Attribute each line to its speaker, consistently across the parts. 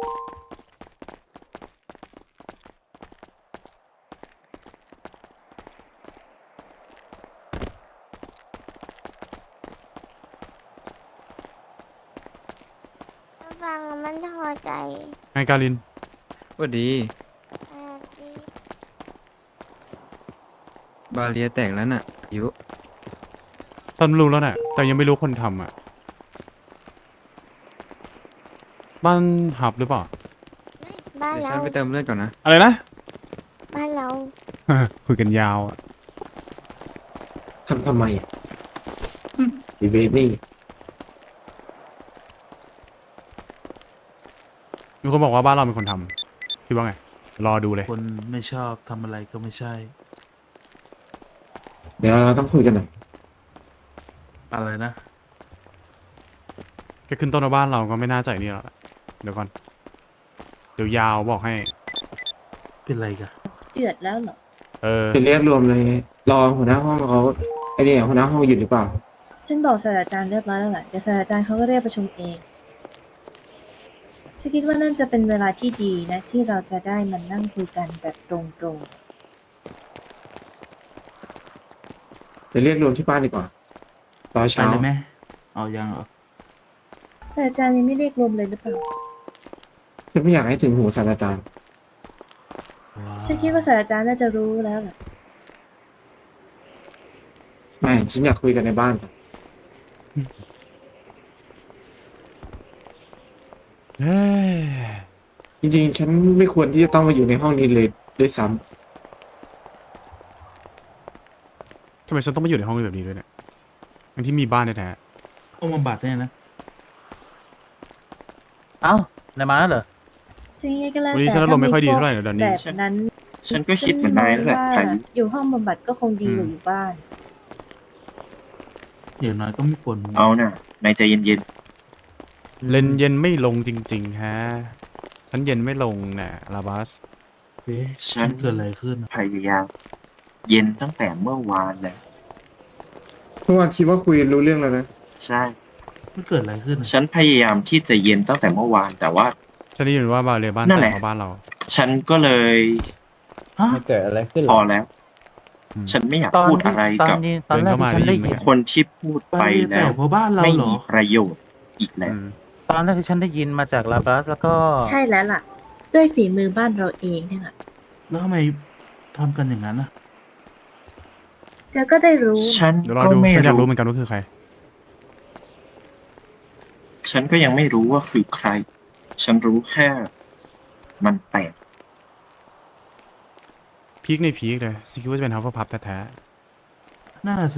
Speaker 1: ฟังแล้วมันพอใจ
Speaker 2: ไงกาลิน
Speaker 3: สวัสดี
Speaker 1: ดี
Speaker 3: บาเรียแตกแล้วน่ะอายุ
Speaker 2: ตอนรู้แล้วน่ะแต่ยังไม่รู้คนทำอ่ะบ้านหับหรือเปล่า
Speaker 1: บ้าน
Speaker 3: เดี๋ยวฉั
Speaker 1: เรา
Speaker 3: นไปเติมเลือดก่อนนะ
Speaker 2: อะไรนะ
Speaker 1: บ้านเรา
Speaker 2: คุยกันยาวอะ
Speaker 4: ทำไมอ่ะดีเบบี้
Speaker 2: มีคนบอกว่าบ้านเราเป็นคนทำคิดว่าไงรอดูเลย
Speaker 5: คนไม่ชอบทำอะไรก็ไม่ใช่
Speaker 4: เดี๋ยวเราต้องคุยกันหน่อย
Speaker 5: อะไรนะ
Speaker 2: แค่ขึ้นต้นว่าบ้านเราก็ไม่น่าใจนี่แล้วล่ะเดี๋ยวก่อนเดี๋ยวยาวบอกให้
Speaker 5: เป็นไรกัน
Speaker 6: เดือดแล้วเหรอ
Speaker 2: เออ
Speaker 4: จะเรียกรวมเลยรอหัวหน้าห้องเขาไอเนี่ยหัวหน้าห้องอยู่หรือเปล่า
Speaker 6: ฉันบอกศาสตราจารย์เรียบร้อยแล้วแหละเดี๋ยวศาสตราจารย์เขาก็เรียกประชุมเองฉันคิดว่านั่นจะเป็นเวลาที่ดีนะ ที่เราจะได้มานั่งคุยกันแบบตรง
Speaker 4: จะเรียกรวมที่บ้านดีกว่ารอ
Speaker 5: ไป
Speaker 4: เช้า
Speaker 5: เลยไหมเอายังเหรอ
Speaker 6: ๆศาสตราจารย์ยังไม่เรียกรวมเลยหรือเปล่า
Speaker 4: ฉันไม่อยากให้ถึงหูศาสตราจารย์
Speaker 5: ว้าว
Speaker 6: ฉันคิดว่าศาสตราจารย์น่าจะรู้แล้วแหละ
Speaker 4: ไม่ฉันอยากคุยกันในบ้านก่อน
Speaker 2: เฮ้ย
Speaker 4: จริงๆ ฉันไม่ควรที่จะต้องมาอยู่ในห้องนี้เลยด้วยซ้
Speaker 2: ทำไมฉันต้องมาอยู่ในห้องแบบนี้ด้วยเนี่ยทั้งที่มีบ้านแท้
Speaker 5: เอามาบัดเนี่ยนะ
Speaker 7: เอ้านายมาแล้วเหรอ
Speaker 6: ถึงยังไงก็แล้ว
Speaker 2: วันนี้
Speaker 6: แต่
Speaker 2: ฉันอารมณ์ไม่ค่อยดีเท่าไหร่นะดอนนี่
Speaker 6: แบบนั้น
Speaker 3: ฉันก็คิดเหมือนนายนั่นแหละ
Speaker 6: ว่า
Speaker 3: พายุ
Speaker 6: อยู่ห้องบำบัดก็คงดีกว่าอยู่บ้าน
Speaker 5: อย่างน้อยก็ไม่ปวดหัว
Speaker 3: เอาน่ะนายใจเย็น
Speaker 2: เล่นเย็นไม่ลงจริงๆฮะฉันเย็นไม่ลงน่ะลาบัส
Speaker 5: เอ๊ะ
Speaker 3: ๆ ฉัน
Speaker 5: มันเกิดอะไรขึ้นอะ
Speaker 3: พยายามเย็นตั้งแต่เมื่อวานแล้ว
Speaker 4: ำเมื่อวานคิดว่าคุยรู้เรื่องแล้วนะ
Speaker 3: ใช่
Speaker 5: มันเกิดอะไรขึ้นอะ
Speaker 3: ฉันพยายามที่จะเย็นตั้งแต่เมื่อวาน แต่ว่า
Speaker 2: ฉันได้ยินว่าบาเรบ้าน
Speaker 3: นั่น
Speaker 2: แต
Speaker 3: แห
Speaker 2: ก
Speaker 3: ละ
Speaker 2: เพราะบ้านเรา
Speaker 3: ฉันก็เลย
Speaker 5: ฮะ
Speaker 7: เกิดอะไรขึ้น
Speaker 3: พอแล้ว
Speaker 2: อืม
Speaker 3: ฉันไม่อยาก
Speaker 7: ตอน
Speaker 3: พูด
Speaker 7: ที่
Speaker 3: อะไร
Speaker 7: ตอน
Speaker 3: กับ
Speaker 7: นี้ตอนแรก
Speaker 2: เดินเข้ามา
Speaker 7: ที่ฉัน
Speaker 2: ได้
Speaker 7: ได้
Speaker 2: ยินไหม
Speaker 7: ยิน
Speaker 3: คนที่พูด
Speaker 5: ไป
Speaker 3: ไป
Speaker 5: แต่
Speaker 3: แล้ว
Speaker 5: เพราะบ้านเรา
Speaker 3: ไม่
Speaker 5: เหรอ
Speaker 3: มีประโยชน์อีกแล้ว
Speaker 2: อืม
Speaker 7: ตอนแรกที่ฉันได้ยินมาจากลาบรัสแล้วก็
Speaker 6: ใช่แล้วล่ะ ด้วยฝีมือบ้านเราเองเนี่ยแหละ
Speaker 5: แล้วทำไมทำกันอย่างนั้นอะ
Speaker 6: เดี๋ยวก็ได้รู้
Speaker 3: ฉัน
Speaker 2: เดี๋ยวรอ
Speaker 3: ก็
Speaker 2: ดู
Speaker 3: ไม่
Speaker 2: ฉันอยาก
Speaker 3: รู้
Speaker 2: รู้เหมือนกันว่าคือใคร
Speaker 3: ฉันก็ยังไม่รู้ว่าคือใคร ฉันรู้แค่ มันแปลก
Speaker 2: พีคในพีคเลยซิคิดว่าจะเป็นฮัฟเฟิลพับแท้
Speaker 5: น่าสิ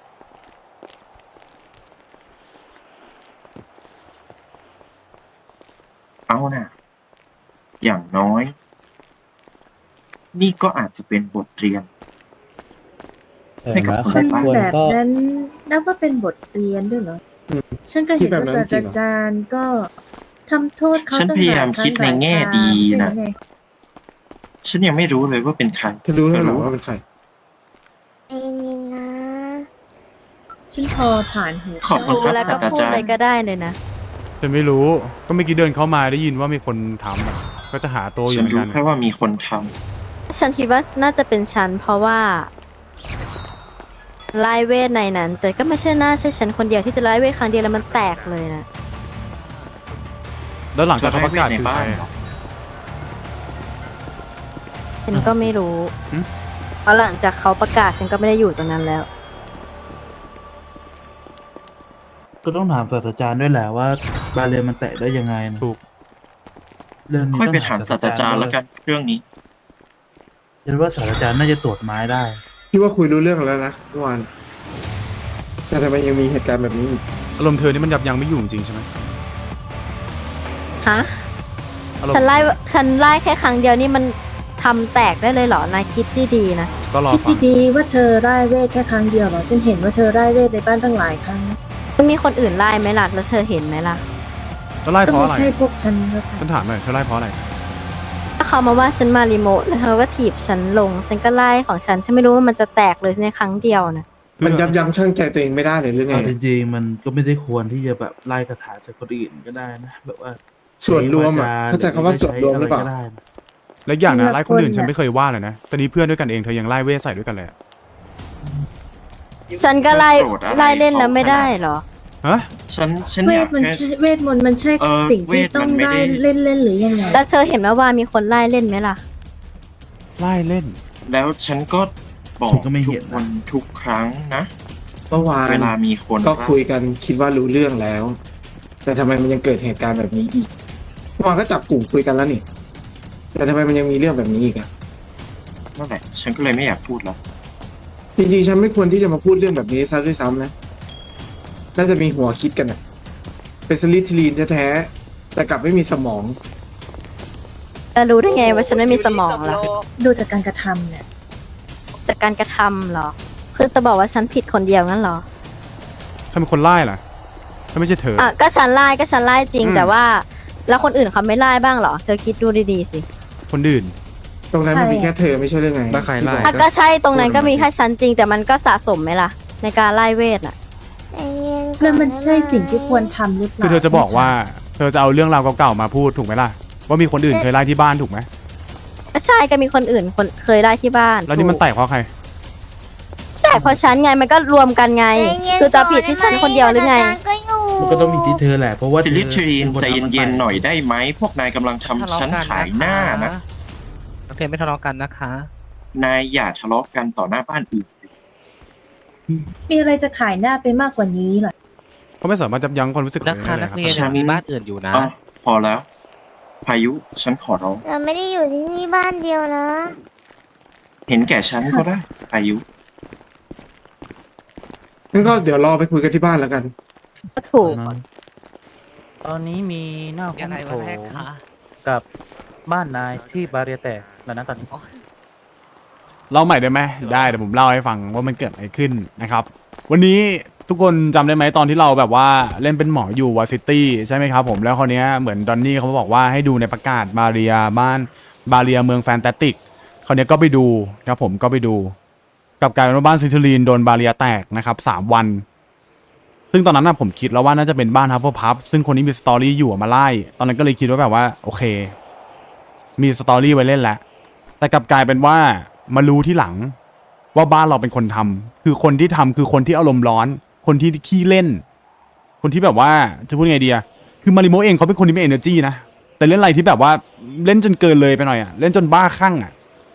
Speaker 3: เอาน่ะ อย่างน้อย นี่ก็อาจจะเป็นบทเรียน ให้กับคน
Speaker 6: คน
Speaker 3: ในบ้าน
Speaker 6: แบบนั้นนับว่าเป็นบทเรียนด้วยเหรอ
Speaker 4: อืม
Speaker 6: ฉันก็
Speaker 4: คิ
Speaker 6: เห็
Speaker 4: ด
Speaker 6: น
Speaker 4: แบบ
Speaker 6: ว่า
Speaker 4: นั้
Speaker 6: ศาน สต
Speaker 4: จริ
Speaker 6: ราง
Speaker 4: เหรอ
Speaker 6: จารย์ก็ทำโทษเขา
Speaker 3: ฉัน
Speaker 6: ตั้ง
Speaker 3: พยายาม
Speaker 6: หล
Speaker 3: คิดในแง่ดี
Speaker 6: ใช่ไหม
Speaker 3: นะ
Speaker 6: ไง
Speaker 3: ฉันยังไม่รู้เลยว่าเป็นใคร
Speaker 4: เธอรู้แล้วเหรอว่าเป็นใคร
Speaker 1: เย็นๆนะ
Speaker 6: ฉันพอผ่านหู
Speaker 3: ขอบคุณครับ
Speaker 8: แล้วก็
Speaker 3: ศาสตรา
Speaker 8: พูด
Speaker 3: จาร
Speaker 8: อะไร
Speaker 3: ย์
Speaker 8: ก็ได้เลยนะ
Speaker 2: ๆฉันไม่รู้ ก็เมื่อกี้เดินเข้ามาได้ยินว่ามีคนทำอะก็จะหาตัวอยู่
Speaker 3: ฉั
Speaker 2: เห
Speaker 3: น
Speaker 2: มือน
Speaker 3: รู้
Speaker 2: กัน
Speaker 3: แค่ว่ามีคนท
Speaker 8: ฉันคิดว่าน่าจะเป็นฉันเพราะว่าไล่เวทในนั้น แต่ก็ไม่ใช่น่าใช่ฉันคนเดียวที่จะไล่เวทครั้งเดียวแล้วมันแตกเลยนะ
Speaker 2: แล้วหลัง
Speaker 3: ำ
Speaker 2: จากเขาประกาศ
Speaker 3: ใน
Speaker 2: คือ
Speaker 3: บ้า
Speaker 2: ใคร
Speaker 3: น
Speaker 2: อะ
Speaker 8: ฉันก็ไม่รู้
Speaker 2: หึ
Speaker 8: เพราะหลังจากเขาประกาศฉันก็ไม่ได้อยู่ตรงนั้นแล้ว
Speaker 5: ก็ต้องถามศาสตราจารย์ด้วยแหละว่าบาเรียนมันแตะได้ยังไงนะ
Speaker 2: ถูก
Speaker 5: เรื่องนี้
Speaker 3: ค่อย
Speaker 5: ต้
Speaker 3: ไป
Speaker 5: อง
Speaker 3: ถามศาสตราจารย์แล้วกัน เรื่องนี้
Speaker 5: ฉันว่าศาสตราจารย์น่าจะตรวจไม้ได้
Speaker 4: คิดว่าคุยรู้เรื่องแล้วนะเมื่อวานแต่ทำไมยังมีเหตุการณ์แบบนี้อีก
Speaker 2: อารมณ์เธอนี่มันยับยั้งไม่อยู่จริงๆใช่ไหม
Speaker 8: ฮะ
Speaker 2: อารมณ์
Speaker 8: ฉันไล่แค่ครั้งเดียวนี่มันทำแตกได้เลยเหรอ นายคิดดีๆนะ
Speaker 2: ก็รอ
Speaker 6: คิด
Speaker 2: ฟัง
Speaker 6: ดีๆว่าเธอไล่เวทแค่ครั้งเดียวเหรอ ฉันเห็นว่าเธอไล่เวทในบ้านตั้งหลายครั้งนะ
Speaker 8: มันมีคนอื่นไล่ไหมล่ะ แล้วเธอเห็นไหมล่ะ
Speaker 2: แล้วไล่
Speaker 6: ก็
Speaker 2: เพราะ
Speaker 6: ไม่
Speaker 2: อะไร
Speaker 6: ใช่พวกฉันก็ค่ะ
Speaker 2: ฉันถามหน่อยเธอไล่เพราะอะไร
Speaker 8: ถ้าเขามาว่าฉันมารีโมทแล้วเขาก็ถีบฉันลง ฉันก็ไล่ของฉัน ฉันไม่รู้ว่ามันจะแตกเลยในครั้งเดียวนะ
Speaker 4: มันยับยั้งชั่งใจตัวเองไม่ได้เลยหรือไง
Speaker 5: เอาจริงๆมันก็ไม่ได้ควรที่จะแบบไล่คาถาจากคนอื่นก็ได้นะ แบบว่า
Speaker 4: ส่วนรวมอ่ะเข้าใจคำว่าส่วนรวมหรือเปล่า
Speaker 5: ะไก็ได้
Speaker 2: และอย่างนะ
Speaker 6: ทีละ
Speaker 2: ไล่คนอื่น
Speaker 6: คน
Speaker 2: ฉัน
Speaker 6: น่ะ
Speaker 2: ไม่เคยว่าเลยนะแต่นี้เพื่อนด้วยกันเองเธอยังไล่เวทใส่ด้วยกันเลยอะ
Speaker 8: ฉันก็ไล่
Speaker 3: โกรธอะไร
Speaker 8: ไล่เล่นแล้วไม่
Speaker 3: เขาขนาด
Speaker 8: ได้เหรอ
Speaker 2: ฮะ
Speaker 3: ฉัน
Speaker 6: เว
Speaker 3: อยา
Speaker 6: ท
Speaker 3: ก
Speaker 6: มัน
Speaker 3: แค่
Speaker 6: ใช่เวทมนต์มันใช่ สิ่งที่
Speaker 3: เวท
Speaker 6: ต้
Speaker 3: มั
Speaker 6: อง
Speaker 3: นไม่
Speaker 6: ได้
Speaker 3: ได้
Speaker 6: เล่นหรือยังไง
Speaker 8: แล้วเธอเห็นว่ามีคนไล่เล่นไหมล่ะ
Speaker 2: ไล่เล่น
Speaker 3: แล้วฉันก็บอก
Speaker 5: ผมก็ไม่
Speaker 3: ทุ
Speaker 5: เห็
Speaker 3: ก
Speaker 5: น
Speaker 3: ค
Speaker 5: นะ
Speaker 3: นทุกครั้งนะ
Speaker 4: เมื่อวาน
Speaker 3: เวลามีคน
Speaker 4: ก็คุยกันคิดว่ารู้เรื่องแล้ว แต่ทำไมมันยังเกิดเหตุการณ์แบบนี้อีกเมื่อวานก็จับกลุ่มคุยกันแล้วนี่ แต่ทำไมมันยังมีเรื่องแบบนี้อีกอะ
Speaker 3: นั่นแหละ ฉันก็เลยไม่อยากพูดแล้ว
Speaker 4: จริงๆฉันไม่ควรที่จะมาพูดเรื่องแบบนี้ซะด้วยซ้ำนะน่าจะมีหัวคิดกันอะเป็นสลิทลีนแท้ๆแต่กลับไม่มีสมอง
Speaker 8: แต่รู้ได้ไงว่าฉันไม่มีสมองล่ะ
Speaker 6: ดูจากการกระทำเนี่ย
Speaker 8: จากการกระทำเหรอคือจะบอกว่าฉันผิดคนเดียวงั้นเหรอ
Speaker 2: ถ้าเป็นคนไล่ล่ะถ้าไม่ใช่เธอ
Speaker 8: อ่ะก็ฉันไล่จริง
Speaker 2: อืม
Speaker 8: แต่ว่า แล้วคนอื่นเขาไม่ไล่บ้างเหรอเธอคิดดูดีๆสิ
Speaker 2: คนอื่น
Speaker 4: ตรงนั้นมันมี
Speaker 6: ใช่
Speaker 4: แค่เธอไม่ใช่เรื่องไง
Speaker 9: ถ้าใครไล่
Speaker 8: อ่ะก็ใช่ตรงนั้นก็มีแค่ฉันจริง แต่มันก็สะสมไหมล่ะ ในการไล่เวทอ่ะ
Speaker 1: ใจเย็นก่อ
Speaker 6: แล้วมันใช่
Speaker 1: ได้ไห
Speaker 6: สิ่งที่ควรทำหรือเปล่า
Speaker 2: คือเธอจะบอกว่า เธอจะเอาเรื่องราวเก่าๆมาพูดถูกไหมล่ะว่ามีคนอื่นเคยไล่ที่บ้านถูกไหม
Speaker 8: ก็ใช่ก็มีคนอื่นคนเคยไล่ที่บ้าน
Speaker 2: แล้วนี่มันแตกเพราะใคร
Speaker 8: แต่เพราะฉันไงมันก็รวมกันไง
Speaker 1: ใจเย็น
Speaker 8: คือจะผิดที่ฉันคนเดียวหรือไง
Speaker 1: ศาสตราจารย์ก็อยู่
Speaker 5: มันก็ต้องมีที่เธอแหละเพราะว่า
Speaker 3: ซิลิทรีน
Speaker 5: ธอ
Speaker 3: ใจ
Speaker 5: ป็ค
Speaker 3: เย็น
Speaker 5: อามา
Speaker 3: ๆหน่อยได้ไหม พวกนายกำลังทำฉันขายหน้านะ
Speaker 7: นักเรียนไม่ทะเลาะกันนะคะ
Speaker 3: นายอย่าทะเลาะกันต่อหน้าบ้านอื่น
Speaker 6: มีอะไรจะขายหน้าไปมากกว่านี้เหรอ
Speaker 2: เขาไม่สามารถจับยั้งความรู้สึก
Speaker 7: นะคะ
Speaker 2: ได้
Speaker 7: นัก
Speaker 2: ครับ
Speaker 7: เรียน
Speaker 3: ฉัน
Speaker 7: มีบ้านอื่นอยู่นะ
Speaker 3: อ๋อพอแล้ว พายุ ฉันขอร้อง
Speaker 1: เราไม่ได้อยู่ที่นี่บ้านเดียวนะ
Speaker 3: เห็นแก่ฉันก็ได้ พายุ
Speaker 4: งั้นก็เดี๋ยวรอไปคุยกันที่บ้านแล้วกัน
Speaker 8: ก็ถูก
Speaker 7: ตอนนี้มีหน้าห้
Speaker 10: ยั
Speaker 7: อง ง
Speaker 10: ไง
Speaker 7: โถ
Speaker 10: วันแรก
Speaker 7: ง
Speaker 10: คะ
Speaker 7: กับบ้านนายที่บาเรียแตกแล้วนะตอนนี้
Speaker 2: เล่าใหม่ได้ไหมได้เดี๋ยวผมเล่าให้ฟังว่ามันเกิดอะไรขึ้นนะครับ วันนี้ทุกคนจำได้ไหมตอนที่เราแบบว่าเล่นเป็นหมออยู่วอซิตี้ใช่ไหมครับผมแล้วคราวเนี้ยเหมือนดอนนี่เขาบอกว่าให้ดูในประกาศบาเรียบ้านบาเรียเมืองแฟนตาติกคราวเนี้ยก็ไปดูครับผมก็ไปดูกลับกลายเป็นว่าบ้านซินทูลีนโดนบาเรียแตกนะครับ3 วัน ซึ่งตอนนั้นนะผมคิดแล้วว่าน่าจะเป็นบ้านฮับเฟิลพับซึ่งคนที่มีสตอรี่อยู่อะมาไล่ตอนนั้นก็เลยคิดว่าแบบว่าโอเค มีสตอรี่ไว้เล่นแล้วแต่กลับกลายเป็นว่ามารู้ที่หลังว่าบ้านเราเป็นคนทำคือคนที่ทำคือคนที่อารมณ์ร้อน คนที่ขี้เล่น คนที่แบบว่าจะพูดไงดีอะคือมาริโมเองเขาเป็นคนที่มี energy นะแต่เล่นอะไรที่แบบว่าเล่นจนเกินเลยไปหน่อยอะเล่นจนบ้าคลั่งอะ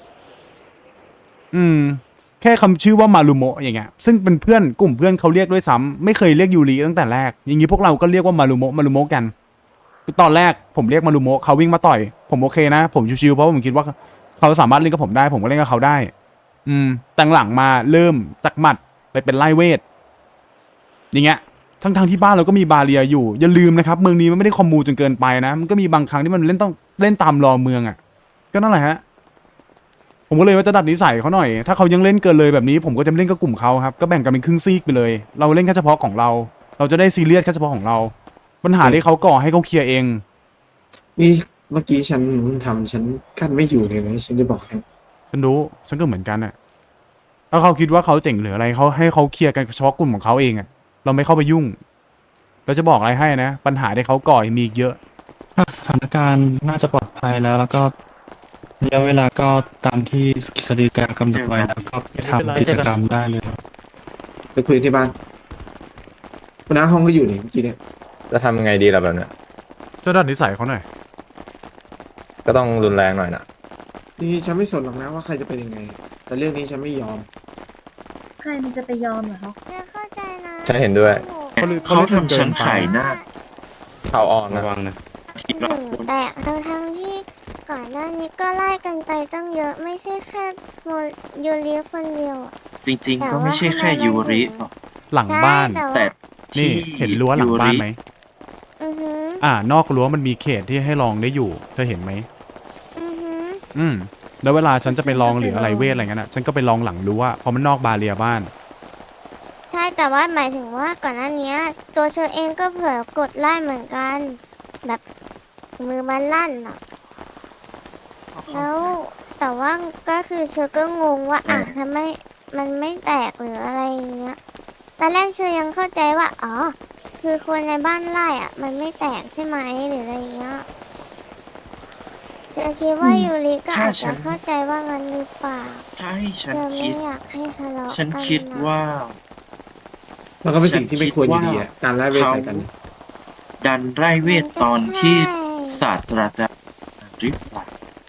Speaker 2: แค่คำชื่อว่ามารุโมะอย่างเงี้ยซึ่งเป็นเพื่อนกลุ่มเพื่อนเขาเรียกด้วยซ้ำไม่เคยเรียกยูริตั้งแต่แรกอย่างงี้พวกเราก็เรียกว่ามารุโมะกันตอนแรกผมเรียกมารุโมะเขาวิ่งมาต่อยผมโอเคนะผมชิวๆเพราะผมคิดว่าเขาสามารถเล่นกับผมได้ผมก็เล่นกับเขาได้แต่หลังมาเริ่มจากหมัดไปเป็นไล่เวทอย่างเงี้ยทั้งที่บ้านเราก็มีบาเรียอยู่อย่าลืมนะครับเมืองนี้มันไม่ได้คอมมูจนเกินไปนะมันก็มีบางครั้งที่มันต้องเล่นตามรอเมืองอ่ะก็นั่นแหละฮะผมก็เลยว่าจะดัดนิสัยเขาหน่อยถ้าเขายังเล่นเกินเลยแบบนี้ผมก็จะเล่นกับกลุ่มเขาครับก็แบ่งกันเป็นครึ่งซีกไปเลยเราเล่นแค่เฉพาะของเราจะได้ซีเรียสแค่เฉพาะของเราปัญหาที่เขาก่อให้เขาเคลียร์เอง
Speaker 4: นี่เมื่อกี้ฉันฉันกั้นไม่อยู่เลยนะฉันจะบอกให้
Speaker 2: ฉันรู้ฉันก็เหมือนกันอ่ะถ้าเขาคิดว่าเขาเจ๋งหรืออะไรเขาให้เขาเคลียร์กันเฉพาะกลุ่มของเขาเองอ่ะเราไม่เข้าไปยุ่งเราจะบอกอะไรให้นะปัญหาที่เขาก่อมีอีกเยอะ
Speaker 11: สถานการณ์น่าจะปลอดภัยแล้วก็ระยะเวลาก็ตามที่กฤษฎีกากำหนดไว้แล้วก็ไปทำกิจกรรมได้เลย
Speaker 4: ไปคุยที่บ้านหัวหน้าห้องก็อยู่นี่เมื่อกี้เนี่ย
Speaker 9: จะทำยังไงดีล่ะแบบเนี้ย
Speaker 2: จะดัดนิสัยเขาหน่อย
Speaker 9: ก็ต้องรุนแรงหน่อยนะ
Speaker 4: นี่ฉันไม่สนหรอกนะว่าใครจะเป็นยังไง แต่เรื่องนี้ฉันไม่ยอม
Speaker 6: ใครมันจะไปยอมเหรอคะ
Speaker 1: ฉันเข้าใจนะ
Speaker 9: ฉันเห็นด้วย
Speaker 3: เขาทำฉันขายหน้า
Speaker 9: เขาอ่อนนะ
Speaker 11: ระวังนะ
Speaker 3: ทีละคน
Speaker 1: แต่ทั้งที่ก่อนหน้านี้ก็ไล่กันไปตั้งเยอะไม่ใช่แค่โมยูริคนเดียวอะ
Speaker 3: จริงๆ ก็ไม่ใช่แค่ยูริหรอก
Speaker 2: หลังบ้าน
Speaker 1: ใช่
Speaker 3: แต่
Speaker 2: นี่
Speaker 3: ที่
Speaker 2: เห็นรั้วหลังบ้านไหม
Speaker 1: อือหือน
Speaker 2: อกรั้วมันมีเขตที่ให้ลองได้อยู่เธอเห็นไหม
Speaker 1: อือหือ
Speaker 2: แล้วเวลาฉันจะไปลองหรืออะไรเวทอะไรเงี้ยนะฉันก็ไปลองหลังรั้วเพราะมันนอกบาเรียบ้าน
Speaker 1: ใช่แต่ว่าหมายถึงว่าก่อนหน้านี้ตัวเชอเองก็เผลอกดไล่เหมือนกัน แบบมือมันลั่นอ่ะแล้วแต่ว่าก็คือเชอก็งงว่าทำไมมันไม่แตกหรืออะไรอย่างเงี้ยตอนแรกเชอยังเข้าใจว่าอ๋อคคือคนในบ้านไร่อะมันไม่แตกใช่ไหมหรืออะไรอย่างเงี้ยเธอคิดว่ายูริก็
Speaker 3: ถ้า
Speaker 1: อาจ
Speaker 3: ฉั
Speaker 1: จะ
Speaker 3: น
Speaker 1: เข้าใจว่างั้นหรือเปล่า
Speaker 3: ถ้าให้ฉั
Speaker 1: เธ
Speaker 3: น
Speaker 1: อ
Speaker 3: คิ
Speaker 1: ไม่
Speaker 3: ด
Speaker 1: อยากให้ทะเลาะ
Speaker 3: ฉัน
Speaker 1: กัน
Speaker 3: คิด
Speaker 1: นะ
Speaker 3: ว่า
Speaker 4: มันก็เป็นสิ่งที่ไม่ควรอยู่ดีอะการไล่เวท
Speaker 3: เขา
Speaker 4: ใส่กัน
Speaker 3: ดันไร่เวทตอนที่ศาสตราจารย์หรือเปล่า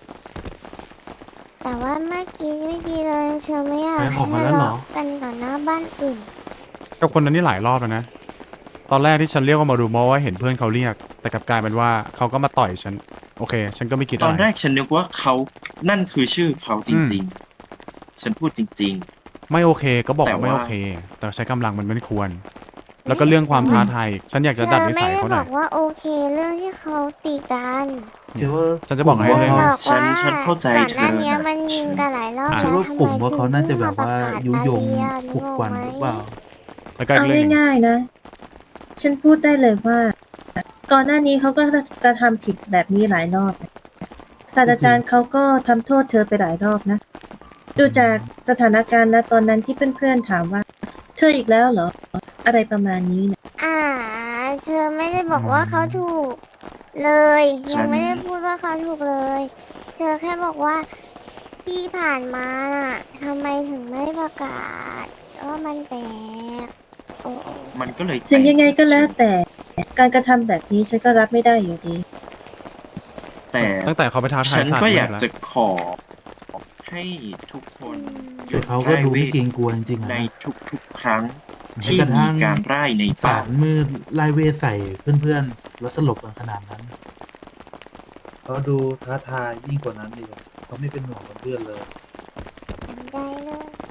Speaker 1: แต่ว่าเมื่อกี้ไม่ดีเลยเธอไม่อยาก
Speaker 5: แฟนอ
Speaker 1: ให้
Speaker 5: อกมา
Speaker 1: ทะ
Speaker 5: แล้วเหรอ
Speaker 1: เลาะกันต่อหน้าบ้านอื่น
Speaker 2: กับคนนั้นนี่หลายรอบแล้วนะ ตอนแรกที่ฉันเรียกว่ามาดูมอว่าเห็นเพื่อนเขาเรียก แต่กลับกลายเป็นว่าเขาก็มาต่อยฉัน โอเค ฉันก็ไม่คิด
Speaker 3: ต
Speaker 2: อะ
Speaker 3: อน
Speaker 2: ไร
Speaker 3: แรกฉันนึกว่าเขานั่นคือชื่อเขาจ
Speaker 2: อืม
Speaker 3: ริงๆ ฉันพูดจริง
Speaker 2: ไม่โอเคก็บอก
Speaker 3: แต่
Speaker 2: ว่าไม่
Speaker 3: ว่า
Speaker 2: โอเค แต่ใช้กำลังมันไม่ควร แล้วก็เรื่องความท้าทายอีกฉันอยากจะดัดนิสัยเขาห
Speaker 1: เธอไม่ได้บ
Speaker 2: น่
Speaker 1: อ
Speaker 2: อย
Speaker 1: กว่าโอเคเรื่องที่เขาตีกัน
Speaker 5: เชื่อว่า
Speaker 2: ฉันจะบอก
Speaker 1: เธ
Speaker 2: ให้
Speaker 1: อ
Speaker 2: เลย
Speaker 1: บ
Speaker 2: นะ
Speaker 1: อก
Speaker 3: ฉั
Speaker 1: ว่าน
Speaker 3: ฉันเข้าใจ
Speaker 1: ก่อนหน้า
Speaker 3: เธอ
Speaker 1: นี้
Speaker 3: นะ
Speaker 1: มันยิงกันหลายรอบ
Speaker 2: อ่ะ
Speaker 5: เชื่อ
Speaker 1: แล้ว
Speaker 5: ว่า
Speaker 1: ทำ
Speaker 5: กลุ่
Speaker 1: ไม
Speaker 5: มว่า
Speaker 1: ถึ
Speaker 5: เขา
Speaker 1: ง
Speaker 5: น่า
Speaker 1: เพิ่
Speaker 5: จะ
Speaker 1: ง
Speaker 5: แบ
Speaker 1: มา
Speaker 5: บ
Speaker 1: ประ
Speaker 5: ว่าก
Speaker 1: าศ
Speaker 5: ยุ
Speaker 1: บาย
Speaker 5: ง
Speaker 1: เรียน
Speaker 5: ปลุกปั่นหรือเปล่า
Speaker 2: แล้วก็
Speaker 6: เอา
Speaker 2: อีกเรื่องหนึง
Speaker 6: ง่ายๆนะ ฉันพูดได้เลยว่า ก่อนหน้านี้เขาก็กระทำผิดแบบนี้หลายรอบนะศาสตราจารย์เขาก็ทำโทษเธอไปหลายรอบนะ ดูจากสถานการณ์ณตอนนั้นที่เพื่อนๆถามว่า เธออีกแล้วเหรอ อะไรประมาณนี้นะ
Speaker 1: เธอไม่ได้บอกว่าเขาถูกเลย
Speaker 3: ฉั
Speaker 1: ยัง
Speaker 3: น
Speaker 1: ไม่ได้พูดว่าเขาถูกเลยเธอแค่บอกว่าที่ผ่านมาน่ะทำไมถึงไม่ประกาศว่ามันแตกโอ้
Speaker 3: มันก็เลย
Speaker 6: ถึงยังไงก็แล้ว
Speaker 3: แต่
Speaker 6: แต่การกระทำแบบนี้ฉันก็รับไม่ได้อยู่ดี
Speaker 3: แต่
Speaker 2: ตั้งแต่เขาไปท้าทา
Speaker 3: ฉั
Speaker 2: ย
Speaker 3: น
Speaker 2: ศาสต
Speaker 3: ก็
Speaker 2: ร์
Speaker 3: อ
Speaker 2: มื
Speaker 3: ยาก
Speaker 2: ดแล้ว
Speaker 3: จะขอให้ทุกคนหยุ
Speaker 5: แต่
Speaker 3: ด
Speaker 5: เขาก็
Speaker 3: ไร่
Speaker 5: ดู
Speaker 3: เว
Speaker 5: ไม่
Speaker 3: ท
Speaker 5: เกรงกลัวจริงๆอะ
Speaker 3: ใน
Speaker 5: นะ
Speaker 3: ทุกๆครั้ง
Speaker 5: แม้
Speaker 3: ที่
Speaker 5: กระ
Speaker 3: มี
Speaker 5: ทั่ง
Speaker 3: การไล่ใน
Speaker 5: สา
Speaker 3: บ้าร น
Speaker 5: มืดไล่เวทใส่เพื่อนๆแล้วสลบกันขนาดนั้นเขาดูท้าทายยิ่งกว่านั้นอีกอะเขาไม่เป็นห่วงกับเพื่อนเลย
Speaker 1: เต็มใจเลย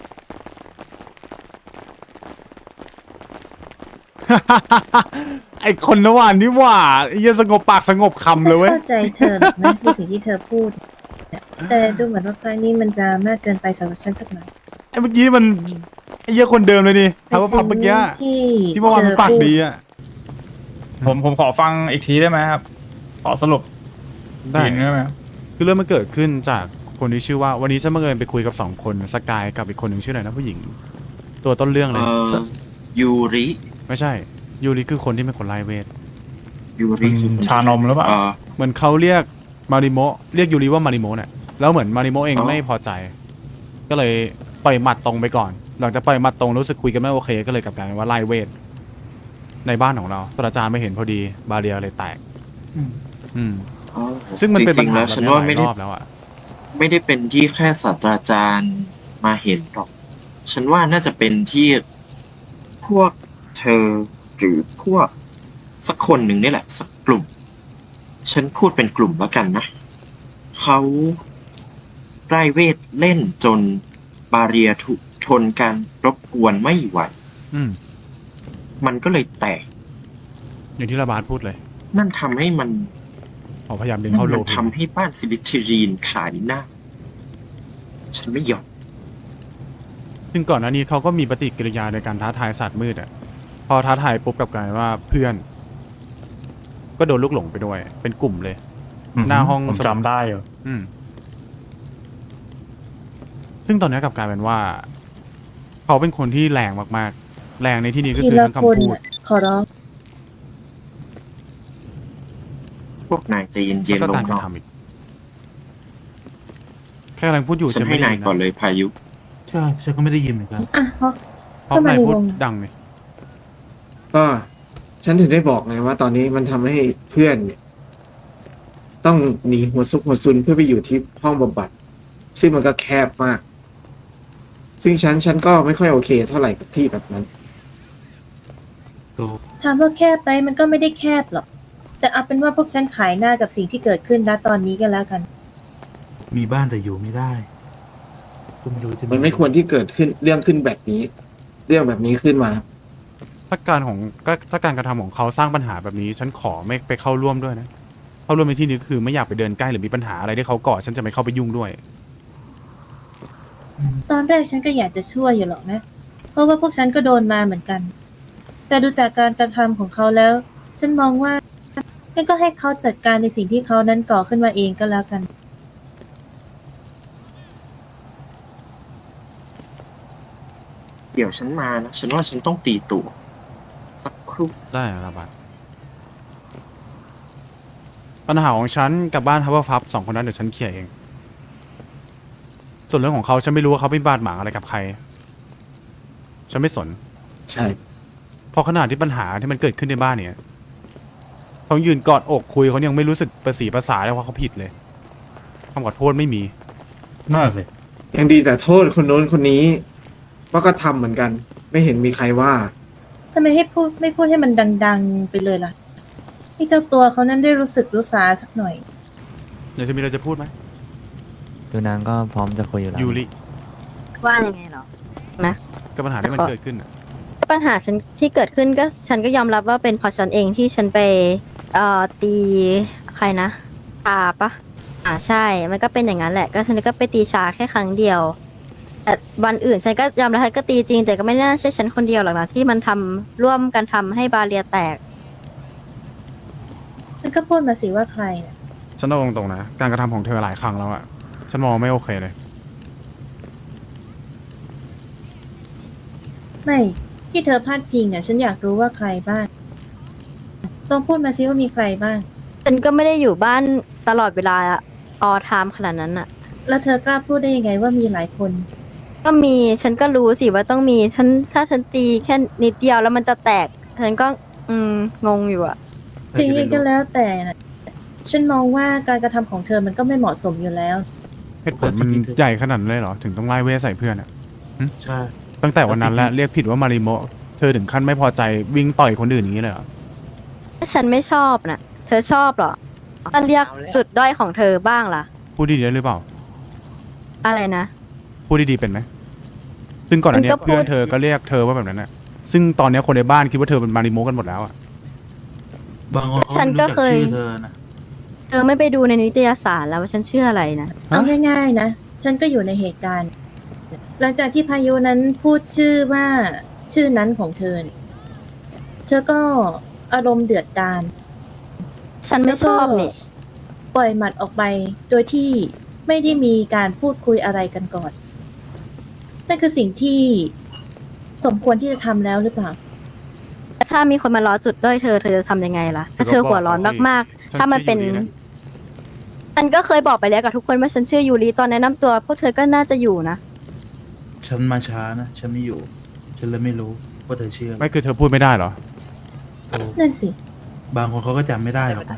Speaker 2: ไอคนนวานนี่หว่าไอ้เหี้ยสงบปากสงบคำเลยเว้ย
Speaker 6: เข้าใจเธอหรอกนะ ในสิ่งที่เธอพูด แต่ดูเหมือนว่าครั้งนี้มันจะมากเกินไปสำหรับฉันสักหน่อย
Speaker 2: ไอ้เมื่อกี้มันไอ้เหี้ยคนเดิมเลยนี่ถามว่าพับเมื่อกี้
Speaker 6: ที่
Speaker 2: ที่เมื่อวานมันปากดีอะ
Speaker 11: ผมขอฟังอีกทีได้ไหมครับ ขอสรุป
Speaker 2: ได้
Speaker 11: ทีนึงได้ไหมครับ
Speaker 2: คือเรื่องมันเกิดขึ้นจากคนที่ชื่อว่าวันนี้ฉันบังเอิญไปคุยกับ2 คนสกายกับอีกคนหนึ่งชื่ออะไรนะผู้หญิง ตัวต้นเรื่องเลย
Speaker 3: ยูริ
Speaker 2: ไม่ใช่ยูริคือคนที่เป็นคนไล่เวท
Speaker 3: ยูริคือ
Speaker 11: ชานมหรือเปล่า
Speaker 2: เหมือนเขาเรียกมาริโมะเรียกยูริว่ามาริโมะเนี่ยแล้วเหมือนมาริโมะเอง
Speaker 3: อ๋อ
Speaker 2: ไม่พอใจ ก็เลยปล่อยหมัดตรงไปก่อน หลังจากปล่อยหมัดตรงรู้สึกคุยกันไม่โอเค ก็เลยกลับกลายเป็นว่าไล่เวทในบ้านของเราศาสตราจารย์ไม่เห็นพอดีบาเรียเลยแตก
Speaker 5: อืม
Speaker 2: อืมซึ่งมันเป็นปัญหา
Speaker 3: จริงๆแล้ว
Speaker 2: แบบ
Speaker 3: ฉัน
Speaker 2: นี้
Speaker 3: ว่า
Speaker 2: ห
Speaker 3: ไม่
Speaker 2: ลาย
Speaker 3: ได้
Speaker 2: รอบแล้วอ่ะ
Speaker 3: ไม่ได้เป็นที่แค่ศาสตราจารย์มาเห็นหรอก ฉันว่าน่าจะเป็นที่พวกเธอหรือพวกสักคนหนึ่งนี่แหละ สักกลุ่ม ฉันพูดเป็นกลุ่มแล้วกันนะ เขาไร้เวทเล่นจนบาเรียถูกทนการรบกวนไม่ไหว
Speaker 2: อืม
Speaker 3: มันก็เลยแตก
Speaker 2: อย่างที่ระบาดพูดเลย
Speaker 3: นั่นทำให้มัน
Speaker 2: ขอพยายามดึง
Speaker 3: นั่
Speaker 2: เข้าน โล
Speaker 3: มัน
Speaker 2: เพ
Speaker 3: ทำให้บ้านซิลิทรีนขายหน้า ฉันไม่ยอม
Speaker 2: ซึ่งก่อนหน้านี้เขาก็มีปฏิกิริยาในการท้าทายศาสตร์มืดอ่ะพอท้าทายปุ๊บกลับกลายว่าเพื่อน ก็โดนลูกหลงไปด้วย เป็นกลุ่มเลย หน้าห้อง
Speaker 11: ผมจำได้อยู่
Speaker 2: อืม ซึ่งตอนนี้กลับกลายเป็นว่า เขาเป็นคนที่แรงมากๆ แรงในที่นี้ก็
Speaker 6: ที
Speaker 2: คือ
Speaker 6: ละ
Speaker 2: ทั้ง
Speaker 6: คน
Speaker 2: คำพูด
Speaker 6: น่ะขอร้อง
Speaker 3: พวกนายใจเย็
Speaker 2: แล้ว
Speaker 3: น
Speaker 2: ก็
Speaker 3: ๆล
Speaker 2: กาง รก
Speaker 3: หน่
Speaker 2: ระ
Speaker 3: อย
Speaker 2: ทำอีก แค่กำลังพูดอยู่
Speaker 3: ฉัน
Speaker 2: ไม่
Speaker 3: ให้
Speaker 2: ได้
Speaker 3: นาย
Speaker 2: ยิน
Speaker 3: ก่อน
Speaker 2: นะ
Speaker 3: เลยพายุ
Speaker 5: ใช่ฉันก็ไม่ได้ยินเหมือนกัน
Speaker 6: อ่ะฮอก
Speaker 2: เพราะ
Speaker 6: เข้ามาน
Speaker 2: าย
Speaker 6: ใน
Speaker 2: พูด
Speaker 6: วง
Speaker 2: ดังเลย
Speaker 4: ก็ฉันถึงได้บอกไงว่าตอนนี้มันทำให้เพื่อนเนี่ย ต้องหนีหัวซุกหัวซุนเพื่อไปอยู่ที่ห้องบำบัด ซึ่งมันก็แคบมาก ซึ่งฉันก็ไม่ค่อยโอเคเท่าไหร่กับที่แบบนั้น
Speaker 6: ถามว่าแคบไหมมันก็ไม่ได้แคบหรอก แต่เอาเป็นว่าพวกฉันขายหน้ากับสิ่งที่เกิดขึ้นณตอนนี้กันแล้วกัน
Speaker 5: มีบ้านแต่อยู่ไม่ได้ก็ไม่รู้จะ
Speaker 4: มันไม่ควรที่เกิดขึ้นเรื่องขึ้นแบบนี้ เรื่องแบบนี้ขึ้นมา
Speaker 2: ถ้าการกระทำของเขาสร้างปัญหาแบบนี้ ฉันขอไม่ไปเข้าร่วมด้วยนะ เข้าร่วมในที่นี้ก็คือไม่อยากไปเดินใกล้หรือมีปัญหาอะไรที่เขาก่อฉันจะไม่เข้าไปยุ่งด้วย
Speaker 6: ตอนแรกฉันก็อยากจะช่วยอยู่หรอกนะ เพราะว่าพวกฉันก็โดนมาเหมือนกัน แต่ดูจากการกระทำของเขาแล้ว ฉันมองว่างั้นก็ให้เขาจัดการในสิ่งที่เขานั้นก่อขึ้นมาเองก็แล้วกัน
Speaker 3: เดี๋ยวฉันมานะ ฉันว่าฉันต้องตีตัว สักครู่รู่
Speaker 2: ได้ครับบาสปัญหาของฉันกับบ้านฮับเบิลฟับสองคนนั้นเดี๋ยวฉันเคลียร์เอง ส่วนเรื่องของเขาฉันไม่รู้ว่าเขาเป็นบาดหมางอะไรกับใคร ฉันไม่สน
Speaker 4: ใช่
Speaker 2: เพราะขนาดที่ปัญหาที่มันเกิดขึ้นในบ้านเนี่ยเขายืนกอดอกคุยเขายังไม่รู้สึกประสีประสาเลยว่าเขาผิดเลยคำขอโทษไม่มี
Speaker 5: น่าสิ
Speaker 4: ยังดีแต่โทษคนโน้นคนนี้ว่าก็ทำเหมือนกัน ไม่เห็นมีใครว่า
Speaker 6: ทำไมไม่พูดให้มันดังๆไปเลยล่ะให้เจ้าตัวเขานั้นได้รู้สึกรู้สาสักหน่อย
Speaker 2: เดี๋ยวจะมีอะไรจะพูดไหม
Speaker 7: ดูนางก็พร้อมจะคุยอยู่แล้ว
Speaker 2: ยูริ
Speaker 8: ว่ายังไงเหรอ
Speaker 2: กับปัญหาที่มันเกิดขึ้นน่ะ
Speaker 8: ปัญหาฉันที่เกิดขึ้นก็ฉันก็ยอมรับว่าเป็นเพราะฉันเองที่ฉันไปตีใครนะชาปะใช่ มันก็เป็นอย่างนั้นแหละ ก็ฉันก็ไปตีชาแค่ครั้งเดียวแต่วันอื่นฉันก็ยอมรับก็ตีจริง แต่ก็ไม่น่าใช่ฉันคนเดียวหรอกนะที่มันทำร่วมกันทำให้บาเรียแตก
Speaker 6: มันก็พูดมาสิว่าใครน่ะ
Speaker 2: ฉันเอาตรงๆนะการกระทำของเธอหลายครั้งแล้วอะฉันมองไม่โอเคเลย
Speaker 6: ไม่ที่เธอพลาดพิงอ่ะฉันอยากรู้ว่าใครบ้างลองพูดมาสิว่ามีใครบ้าง
Speaker 8: ฉันก็ไม่ได้อยู่บ้านตลอดเวลาออไทม์ขนาดนั้นอะ
Speaker 6: แล้วเธอกล้าพูดได้ยังไงว่ามีหลายคน
Speaker 8: ก็มีฉันก็รู้สิว่าต้องมีฉันถ้าฉันตีแค่นิดเดียวแล้วมันจะแตก ฉันก็งงอยู่อะ
Speaker 6: ถึงยังไงก็แล้วแต่นะฉันมองว่าการกระทำของเธอมันก็ไม่เหมาะสมอยู่แล้ว
Speaker 2: เหตุผลมันใหญ่ขนาดนั้นเลยเหรอถึงต้องไล่เวทใส่เพื่อนอะ
Speaker 5: ใช่
Speaker 2: ตั้งแต่วันนั้นแล้วเรียกผิดว่ามาริโมะเธอถึงขั้นไม่พอใจวิ่งต่อยคนอื่นอย่างนี้เลยเหรอ
Speaker 8: ฉันไม่ชอบนะเธอชอบเหรอก็เรียกจุดด้อยของเธอบ้างล่ะ
Speaker 2: พูดดีๆได้หรือเปล่า
Speaker 8: อะไรนะ
Speaker 2: พูดดีๆเป็นไหมซึ่งก่อนอันเนี้
Speaker 8: มัน
Speaker 2: ย
Speaker 8: ก็พูด
Speaker 2: เพื่อนเธอก็เรียกเธอว่าแบบนั้นน่ะซึ่งตอนเนี้ยคนในบ้านคิดว่าเธอเป็นมาริโมะกันหมดแล้วอะ
Speaker 5: บางคนเขา
Speaker 8: ฉัน
Speaker 5: ไม่
Speaker 8: ก็
Speaker 5: รู้จัก
Speaker 8: เคย
Speaker 5: ชื่อเธอนะ
Speaker 8: เธอไม่ไปดูในนิตยสารแล้วว่าฉันเชื่ออะไรนะ
Speaker 6: เอาง่ายๆนะ ฉันก็อยู่ในเหตุการณ์ หลังจากที่พายุนั้นพูดชื่อว่าชื่อนั้นของเธอเนี่ยเธอก็อารมณ์เดือดดาล
Speaker 8: ฉันไม่ชอบนี่
Speaker 6: ปล่อยหมัดออกไปโดยที่ไม่ได้มีการพูดคุยอะไรกันก่อน นั่นคือสิ่งที่สมควรที่จะทำแล้วหรือเปล่า
Speaker 8: ถ้ามีคนมาล้อจุดด้อยเธอจะทำยังไงล่ะ ถ้าเธอหัวร้อนมากๆ ถ้ามันเป็น ฉันก็เคยบอกไปแล้วกับทุกคนว่าฉันชื่อยูริตอนแนะนำตัวพวกเธอก็น่าจะอยู่นะ
Speaker 5: ฉันมาช้านะ ฉันไม่อยู่ ฉันเลยไม่รู้ว่าเธอชื่ออะไร
Speaker 2: ไม่คือเธอพูดไม่ได้เหรอ
Speaker 5: โอ้
Speaker 6: นั่นสิ
Speaker 5: บางคนเขาก็จำไม่ได้หรอกนะ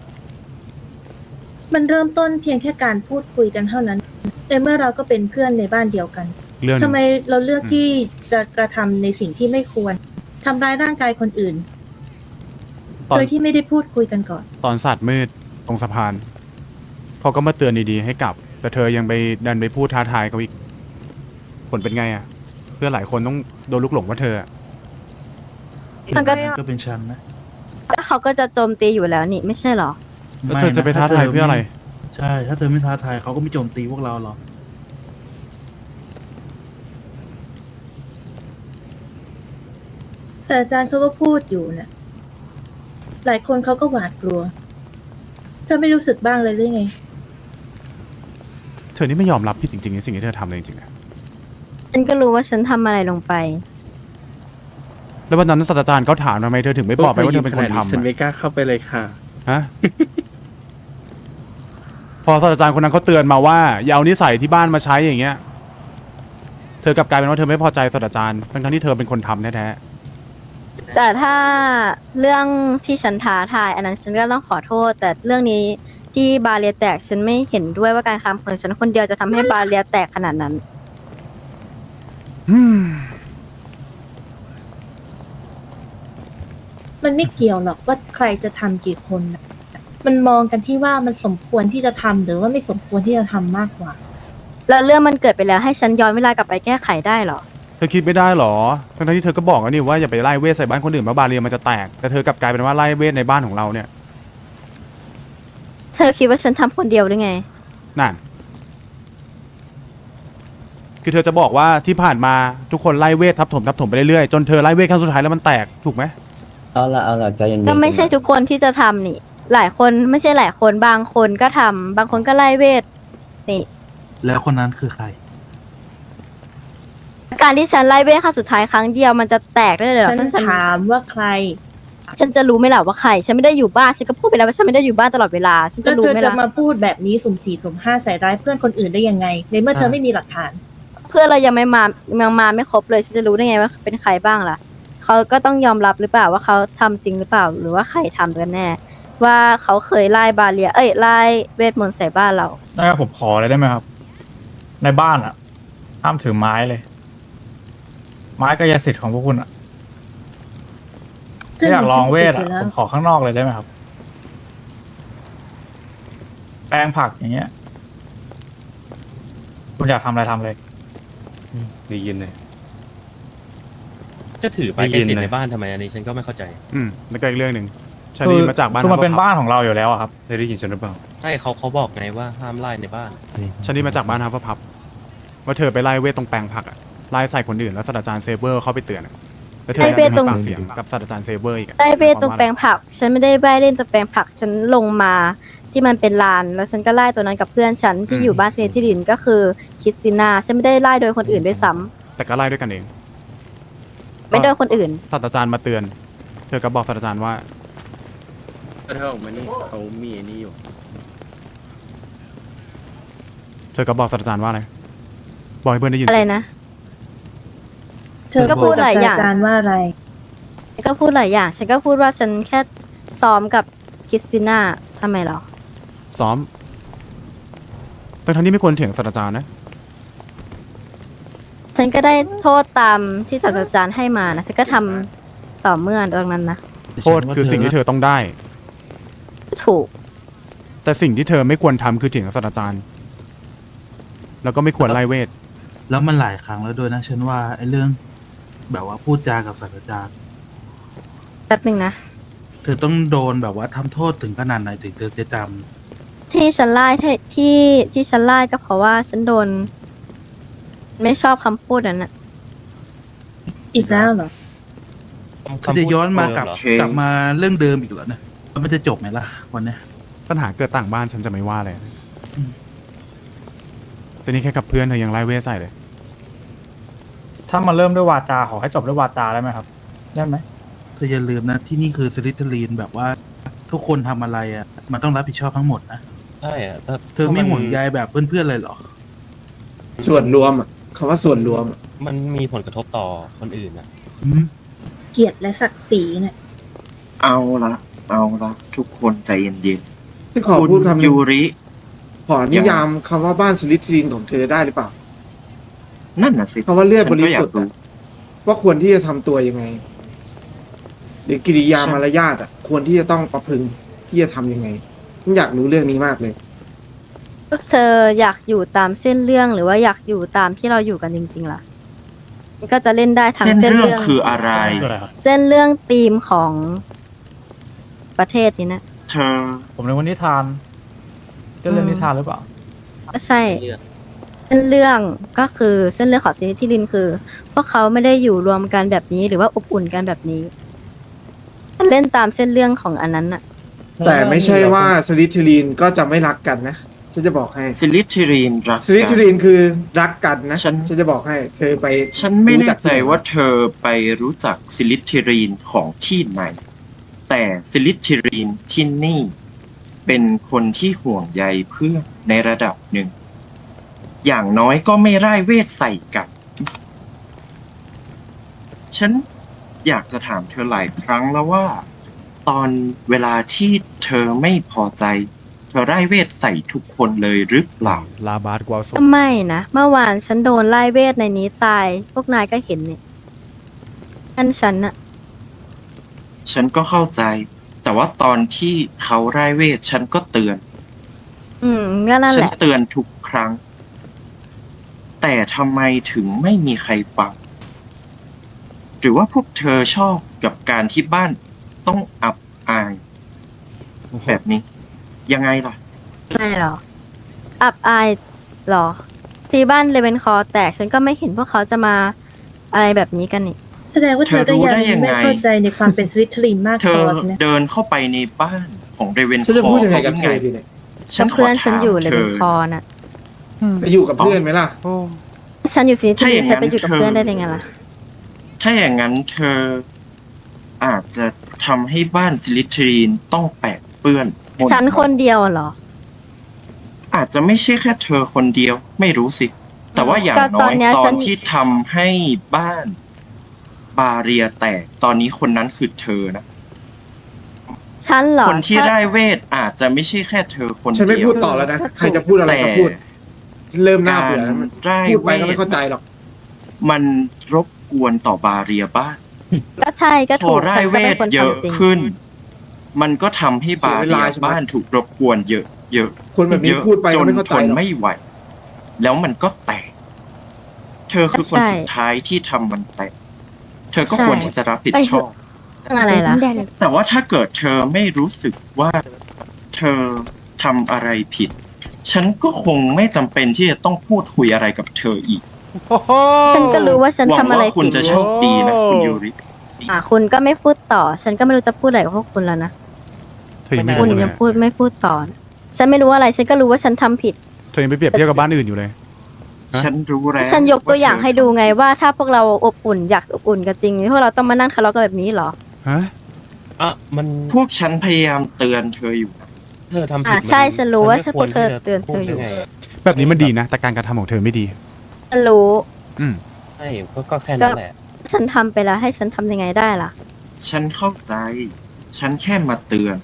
Speaker 6: มันเริ่มต้นเพียงแค่การพูดคุยกันเท่านั้น แต่เมื่อเราก็เป็นเพื่อนในบ้านเดียวกัน
Speaker 2: เรื่องห
Speaker 6: ทำ
Speaker 2: นึ่ง
Speaker 6: ไมเราเลือกที่จะกระทำในสิ่งที่ไม่ควรทำร้ายร่างกายคนอื่น
Speaker 2: ตอน
Speaker 6: โดยที่ไม่ได้พูดคุยกันก่อน
Speaker 2: ตอนศาสตร์มืดตรงสะพานเขาก็มาเตือนดีๆให้กลับ แต่เธอยังไปดันไปพูดท้าทายเขาอีกผลเป็นไงอะเพื่อนหลายคนต้องโดนลุกหลงว่าเธออะ
Speaker 8: มันก็
Speaker 5: ก็เป็นฉันนะ
Speaker 8: แล้วเขาก็จะโจมตีอยู่แล้วนี่ไม่ใช่เหรอ
Speaker 2: แล้วเธอจะไปท้าทายเพื่ออะไร
Speaker 5: ใช่ ถ้าเธอไม่ท้าทายเขาก็ไม่โจมตีพวกเราหรอก
Speaker 6: ศาสตราจารย์เขาก็พูดอยู่น่ะ หลายคนเขาก็หวาดกลัว เธอไม่รู้สึกบ้างเลยหรือไง
Speaker 2: เธอนี่ไม่ยอมรับผิดจริงๆในสิ่งที่เธอทำเลยจริงๆอะ
Speaker 8: ฉันก็รู้ว่าฉันทำอะไรลงไป
Speaker 2: แล้ววันนั้นศาสตราจารย์เขาถามทำไมเธอถึงไม่บอกไปว่าเธอเป็นคนทำ
Speaker 9: ฉัน
Speaker 2: อะ
Speaker 9: ไม่กล้าเข้าไปเลยค่ะ
Speaker 2: ฮะ พอศาสตราจารย์คนนั้นเขาเตือนมาว่าอย่าเอานิสัยที่บ้านมาใช้อย่างเงี้ย เธอกลับกลายเป็นว่าเธอไม่พอใจศาสตราจารย์ทั้งๆที่เธอเป็นคนทำแท้
Speaker 8: แต่ถ้าเรื่องที่ฉันท้าทาย อันนั้นฉันก็ต้องขอโทษ แต่เรื่องนี้ที่บาเรียแตกฉันไม่เห็นด้วยว่าการทำของฉันคนเดียวจะทำให้บาเรียแตกขนาดนั้น
Speaker 2: ๆอืม
Speaker 6: มันไม่เกี่ยวหรอกว่าใครจะทำกี่คนน่ะมันมองกันที่ว่ามันสมควรที่จะทำหรือว่าไม่สมควรที่จะทำมากกว่า
Speaker 8: แล้วเรื่องมันเกิดไปแล้วให้ฉันย้อนเวลากลับไปแก้ไขได้เหรอ
Speaker 2: เธอคิดไม่ได้หรอทั้งๆที่เธอก็บอกแล้วนี่ว่าอย่าไปไล่เวทใส่บ้านคนอื่นมาบาเรียมันจะแตก แต่เธอกลับกลายเป็นว่าไล่เวทในบ้านของเราเนี่ย
Speaker 8: เธอคิดว่าฉันทำคนเดียวหรือไง
Speaker 2: นั่น คือเธอจะบอกว่าที่ผ่านมาทุกคนไล่เวททับถมไปเรื่อยๆจนเธอไล่เวทครั้งสุดท้ายแล้วมันแตกถูกไหม
Speaker 9: เอาละใจเย็นๆ
Speaker 8: ก็ไม่ใช่ทุกคนที่จะทำนี่ หลายคนไม่ใช่หลายคนบางคนก็ทำบางคนก็ไล่เวทนี่
Speaker 5: แล้วคนนั้นคือใคร
Speaker 8: การที่ฉันไล่เวทครั้งสุดท้ายครั้งเดียวมันจะแตกได้เลยเหรอ
Speaker 6: ฉัน
Speaker 8: ถ้าฉัน
Speaker 6: ถามว่าใคร
Speaker 8: ฉันจะรู้ไหมล่ะว่าใครฉันไม่ได้อยู่บ้านฉันก็พูดไปแล้วว่าฉันไม่ได้อยู่บ้านตลอดเวลาฉันจะ
Speaker 6: แล้ว
Speaker 8: รู้
Speaker 6: เธอ
Speaker 8: ไหม
Speaker 6: จะ
Speaker 8: ล่ะ
Speaker 6: มาพูดแบบนี้สุ่มสี่สุ่มห้าใส่ร้ายเพื่อนคนอื่นได้ยังไง ในเมื่อเธอไม่มีหลักฐาน
Speaker 8: เพื่อนเรายังมาไม่ครบเลยฉันจะรู้ได้ไงว่าเป็นใครบ้างล่ะเขาก็ต้องยอมรับหรือเปล่าว่าเขาทำจริงหรือเปล่า หรือว่าใครทำกันแน่ ว่าเขาเคยไล่บาเรียไล่เวทมนต์ใส่บ้านเรา
Speaker 11: ได้ครับผมขอเลยได้ไหมครับ ในบ้านอ่ะ ห้ามถือไม้เลย ไม้ก็ยาสิทธิ์ของพวกคุณอ่ะ
Speaker 6: เพื่อน
Speaker 11: ถ้าอยากลองเวท
Speaker 6: มัน
Speaker 11: อ่ะ
Speaker 6: ชิบหายไปแล้ว
Speaker 11: ผมขอข้างนอกเลยได้ไหมครับ แปลงผักอย่างเงี้ย คุณอยากทำอะไรทำเลย
Speaker 9: ได้ยินเลย
Speaker 10: จะถือไปแค่สิทธิ์ในบ้านทำไมอันนี้ฉันก็ไม่เข้าใจ
Speaker 2: แล้วก็อีกเรื่องหนึ่งชาลีมาจากบ้าน
Speaker 11: คือมันเป็น
Speaker 2: ฮัฟเฟิลพัฟ
Speaker 11: บ้านของเราอยู่แล้วอะครับ
Speaker 9: เคยได้ยินฉันหรือเปล่า
Speaker 10: ใช่เขาบอกไงว่าห้ามไล่ในบ้าน
Speaker 2: ชาลีมาจากบ้านฮัฟเฟิลพัฟว่าเธอไปไล่เวทตรงแปลงผักอะไล่ใส่คนอื่นแล้วศาสตราจารย์เซเบอร์เข้าไปเตือนอะแล้วเธอ
Speaker 8: ไล่เวทตรง
Speaker 2: ปากเสียงกับศาสตราจารย์เซเบอร์อีกอะ
Speaker 8: ไล่เวทตรงแปลงผัก ฉันไม่ได้ไล่เล่นตรงแปลงผัก ฉันลงมาที่มันเป็นลาน แล้วฉันก็ไล่ตัวนั้นกับเพื่อนฉันที่อยู่บ้านเซนทิลินก็คือคริสติน่าฉันไม่ได้ไล่โดยคนอื่นด้วยซ้ำ
Speaker 2: แต่ก็ไล่ด้วยกันเอง
Speaker 8: ไม่โดยคนอื่น
Speaker 2: ศาสตราจารย์มาเตือน เธอก็บอกศาสตราจารย์ว่า
Speaker 9: ถ้าเธอออกมานี่เขามีไอ้นี่อยู่
Speaker 2: เธอก็บอกศาสตราจารย์ว่าอะไรบอกให้เพื่อนได้ยิน
Speaker 8: อะไร
Speaker 2: สิ
Speaker 8: นะ
Speaker 6: เธอ
Speaker 8: ก็พู
Speaker 6: พู
Speaker 8: ด
Speaker 6: ด
Speaker 8: ห
Speaker 6: กับ
Speaker 8: ลาย
Speaker 6: ศาส
Speaker 8: อย่าง
Speaker 6: ตราจารย์ว่าอะไร
Speaker 8: ฉันก็พูดหลายอย่าง ฉันก็พูดว่าฉันแค่ซ้อมกับคริสติน่าทำไมหรอ
Speaker 2: ซ้อมทั้งที่ไม่ควรเถียงศาสตราจารย์นะ
Speaker 8: ฉันก็ได้โทษตามที่ศาสตราจารย์ให้มานะ ฉันก็ทำต่อเมื่อตรงนั้นนะ
Speaker 2: โทษคือสิ่งที่เธอต้องได้
Speaker 8: ถูก
Speaker 2: แต่สิ่งที่เธอไม่ควรทำคือเถียงกับศาสตราจารย์ แล้วก็ไม่ควรไล่เวท
Speaker 5: แล้วมันหลายครั้งแล้วด้วยนะฉันว่าไอ้เรื่อง แบบว่าพูดจากับศาสตราจารย์
Speaker 8: แป๊บหนึ่งนะ
Speaker 5: เธอต้องโดนแบบว่าทำโทษถึงขนาดไหนถึงเธอจะจ
Speaker 8: ที่ฉันไล่ที่ฉันไล่ก็เพราะว่าฉันโดน ไม่ชอบคำพูดนั้นนะ
Speaker 6: อีกแล้วเหรอ
Speaker 5: ำเธอจะย้อนมากลับ
Speaker 3: โอเค
Speaker 5: กลับมาเรื่องเดิมอีกเหรอเนี่ยแล้วมันจะจบไหมล่ะวันเนี้ย
Speaker 2: ปัญหาเกิดต่างบ้านฉันจะไม่ว่าเลย
Speaker 5: อืม
Speaker 2: แต่นี่แค่กับเพื่อนเธอยังไล่เวทใส่เลย
Speaker 11: ถ้ามาเริ่มด้วยวาจาขอให้จบด้วยวาจาได้ไหมครับ ได้ไหม
Speaker 5: เธออย่าลืมนะที่นี่คือสลิทลีนแบบว่าทุกคนทำอะไรอ่ะ มันต้องรับผิดชอบทั้งหมดนะ
Speaker 10: ใช่อะถ้า
Speaker 5: เธอไม่ห่วงใยแบบเพื่อนๆเลยเหรอ
Speaker 4: ส่วนรวมอ่ะคำว่าส่วนรวมอะ
Speaker 10: มันมีผลกระทบต่อคนอื่นอะ
Speaker 5: อืม
Speaker 6: เกียรติและศักดิ์ศรีเนี่ย
Speaker 3: เอาละทุกคนใจเย็น
Speaker 4: ที่ขอ
Speaker 3: ๆคุณ
Speaker 4: พูดคำหนึง
Speaker 3: ยูริ
Speaker 4: ขอนิยามคำว่าบ้านสลิทรินของเธอได้หรือเปล่า
Speaker 3: นั่นน่ะสิ
Speaker 4: คำว่าเลือดบริ
Speaker 3: ฉันก็อยา
Speaker 4: สุ
Speaker 3: ก
Speaker 4: ทธิ์อะว่าควรที่จะทำตัวยังไง หรือกิริยามารยาทอ่ะ ควรที่จะต้องประพฤติที่จะทำยังไงผมอยากรู้เรื่องนี้มากเลย
Speaker 8: พวกเธออยากอยู่ตามเส้นเรื่องหรือว่าอยากอยู่ตามที่เราอยู่กันจริงๆล่ะมันก็จะเล่นได้ทั้ง
Speaker 3: เส้น
Speaker 8: เส้น
Speaker 3: เรื่อง
Speaker 8: เรื่อง
Speaker 3: คืออะไร
Speaker 11: คืออะไรครับ
Speaker 8: เส้นเรื่องธีมของประเทศนี้นะ
Speaker 3: เธอ
Speaker 11: ผมนึกว่านิทานจะเรื่องนิทานหรือเปล่า
Speaker 8: ก็ใช่
Speaker 10: เลือก
Speaker 8: เส้นเรื่องก็คือเส้นเรื่องของซีรีส์ที่ลินคือ พวกเขาไม่ได้อยู่รวมกันแบบนี้หรือว่าอบอุ่นกันแบบนี้เล่นตามเส้นเรื่องของอันนั้นน่ะ
Speaker 4: แต่ไม่ใช่ว่าสลิทรินก็จะไม่รักกันนะฉันจะบอกให้
Speaker 3: ซิลิทิรีนรัก
Speaker 4: สลิท
Speaker 3: กัน
Speaker 4: รินคือรักกันนะ
Speaker 3: ฉัน
Speaker 4: จะบอกให้ เธอไป
Speaker 3: ฉันไม่
Speaker 4: รู้
Speaker 3: แน่
Speaker 4: จัก
Speaker 3: ใจ
Speaker 4: ที่ไหน
Speaker 3: ว่าเธอไปรู้จักซิลิทิรีนของที่ไหน แต่ซิลิทิรีนที่นี่ เป็นคนที่ห่วงใยเพื่อนในระดับหนึ่ง อย่างน้อยก็ไม่ร่ายเวทใส่กัน ฉันอยากจะถามเธอหลายครั้งแล้วว่า ตอนเวลาที่เธอไม่พอใจ เธอร่ายเวทใส่ทุกคนเลยหรือเปล่า
Speaker 2: ลาบาสกวาโซ
Speaker 8: ก็ไม่นะเมื่อวานฉันโดนไล่เวทในนี้ตาย พวกนายก็เห็นเนี่ยนั่นฉันน่ะ
Speaker 3: ฉันก็เข้าใจ แต่ว่าตอนที่เขาร่ายเวทฉันก็เตือน
Speaker 8: ก็นั่น
Speaker 3: ฉั
Speaker 8: แห
Speaker 3: น
Speaker 8: ละ
Speaker 3: เตือนทุกครั้ง แต่ทำไมถึงไม่มีใครฟัง หรือว่าพวกเธอชอบกับการที่บ้านต้องอับอาย แบบนี้ ยังไงล่ะ
Speaker 8: ไม่หรอ อับอายหรอ ที่บ้านเลเวนคอแตกฉันก็ไม่เห็นพวกเขาจะมาอะไรแบบนี้กันนี่
Speaker 6: แสดงว่าเธอก็
Speaker 3: เธอรู้ได้ยั
Speaker 6: ยัง
Speaker 3: งไง
Speaker 6: ไม่เข้าใจในความเป็นสลิทรินมาก
Speaker 3: เธ
Speaker 6: พ
Speaker 3: อ
Speaker 6: อใช่ไหม
Speaker 3: เดินเข้าไปในบ้านของเรเวนค
Speaker 4: ฉันจะ
Speaker 3: อ
Speaker 4: พูดยังไง
Speaker 3: เขา
Speaker 4: กับ
Speaker 3: ยัง
Speaker 4: เธ
Speaker 3: ไง
Speaker 4: อดีเนี่ย
Speaker 3: ฉันขอ
Speaker 8: เพื่อนฉัน
Speaker 3: ถาม
Speaker 8: อยู่เล
Speaker 3: เธ
Speaker 8: เว
Speaker 3: อน
Speaker 8: คอน่ะ
Speaker 4: ไปอยู่กับเพื่อนไหมล่ะ
Speaker 8: ฉันอยู่ซีที่
Speaker 3: ถ้าอ
Speaker 8: นี่
Speaker 3: ย่างนั้น
Speaker 8: ฉันไปอยู่กับ
Speaker 3: เธอ
Speaker 8: เพื่อนได้ยังไงล่ะ
Speaker 3: ถ้าอย่างนั้นเธออาจจะทำให้บ้านสลิทรีนต้องแปดเปื้อนมล
Speaker 8: ฉันคนเดียวเหรอ
Speaker 3: อาจจะไม่ใช่แค่เธอคนเดียว ไม่รู้สิ แต่ว่าอย่าง
Speaker 8: ก็
Speaker 3: น้
Speaker 8: ต
Speaker 3: อ
Speaker 8: อน
Speaker 3: ย
Speaker 8: เนี้ย
Speaker 3: ตอ
Speaker 8: ฉั
Speaker 3: น
Speaker 8: น
Speaker 3: ที่ทำให้บ้านบาเรียแตก ตอนนี้คนนั้นคือเธอนะ
Speaker 8: ฉันเหรอ
Speaker 3: คนที่
Speaker 8: ฉัน
Speaker 3: ได้เวทอาจจะไม่ใช่แค่เธอคน
Speaker 4: ฉันไม่
Speaker 3: เดีย
Speaker 4: พู
Speaker 3: ว
Speaker 4: ดต่อแล้วนะ ใครจะพูดอะไรก็พูด เริ่มน่าเบื่อแล้ว
Speaker 3: ได้
Speaker 4: พูดไปก็
Speaker 3: เว
Speaker 4: ไม่
Speaker 3: ท
Speaker 4: เข้าใจหรอก
Speaker 3: มันรบกวนต่อบาเรียบ้าน
Speaker 8: ก็ใช่ก็
Speaker 3: พ
Speaker 8: ถู
Speaker 3: อก ได้
Speaker 8: ฉัน
Speaker 3: เว
Speaker 8: ก็เป็น
Speaker 3: ท
Speaker 8: คน
Speaker 3: เยอะ
Speaker 8: ทำจริง
Speaker 3: ขึ้น มันก็ทำให้บาเรียบ้านถูกรบกวนเยอะ เยอะ
Speaker 4: คนแบบนี้
Speaker 3: เยอะ
Speaker 4: พูดไป
Speaker 3: จ
Speaker 4: ก็
Speaker 3: น
Speaker 4: ไม่เข้า
Speaker 3: ท
Speaker 4: ใจ
Speaker 3: น
Speaker 4: หรอก
Speaker 3: ไม่ไหว แล้วมันก็แตก เธอคือคนสุดท้ายที่ทำมันแตก เธอก็ควรที่จะรับผิดชอบ
Speaker 8: เรื่องอะไรล่ะ
Speaker 3: แต่ว่าถ้าเกิดเธอไม่รู้สึกว่าเธอทำอะไรผิด ฉันก็คงไม่จำเป็นที่จะต้องพูดคุยอะไรกับเธออีก
Speaker 8: ฉันก็รู้ว่าฉัน
Speaker 3: หวั
Speaker 8: ทำอะไร
Speaker 3: ว่าคุณ
Speaker 8: ผิด
Speaker 3: จะโชคดีนะคุณยูริ
Speaker 8: คุณก็ไม่พูดต่อ ฉันก็ไม่รู้จะพูดอะไรกับพวกคุณแล้วนะ
Speaker 2: เธอยังไม่
Speaker 8: คุณ
Speaker 2: รู้เล
Speaker 8: ยั
Speaker 2: ย
Speaker 8: งพูดไม่พูดต่อ ฉันไม่รู้อะไร ฉันก็รู้ว่าฉันทำผิด
Speaker 2: เธอยังไปเปรียบเทียบกับบ้านอื่นอยู่เลย ฮะ
Speaker 3: ฉันรู้แล้ว
Speaker 8: ฉันยกตัวอย่างให้ดูไงว่าถ้าพวกเราอบอุ่นอยากอบอุ่นกันจริงพวกเราต้องมานั่งทะเลาะกันแบบนี้เหรอ
Speaker 2: ฮะ
Speaker 10: อ่ะมัน
Speaker 3: พวกฉันพยายามเตือนเธออยู่นะ
Speaker 10: เธอทำผิด
Speaker 8: ใช่ฉันรู้ว่า
Speaker 10: ไม่
Speaker 8: ฉัน
Speaker 10: ควร
Speaker 8: เธอ
Speaker 10: ที่จะ
Speaker 8: เตือนเธออยู่
Speaker 10: พูดได้ไงะ
Speaker 2: แบบนี้มันดีนะ แต่การกระทำของเธอไม่ดี
Speaker 8: ฉันรู้
Speaker 2: อืม
Speaker 10: ใช่ก็แค่นั้นแหละ
Speaker 8: ฉันทำไปแล้วให้ฉันทำยังไงได้ล่ะ
Speaker 3: ฉันเข้าใจ ฉันแค่มาเตือน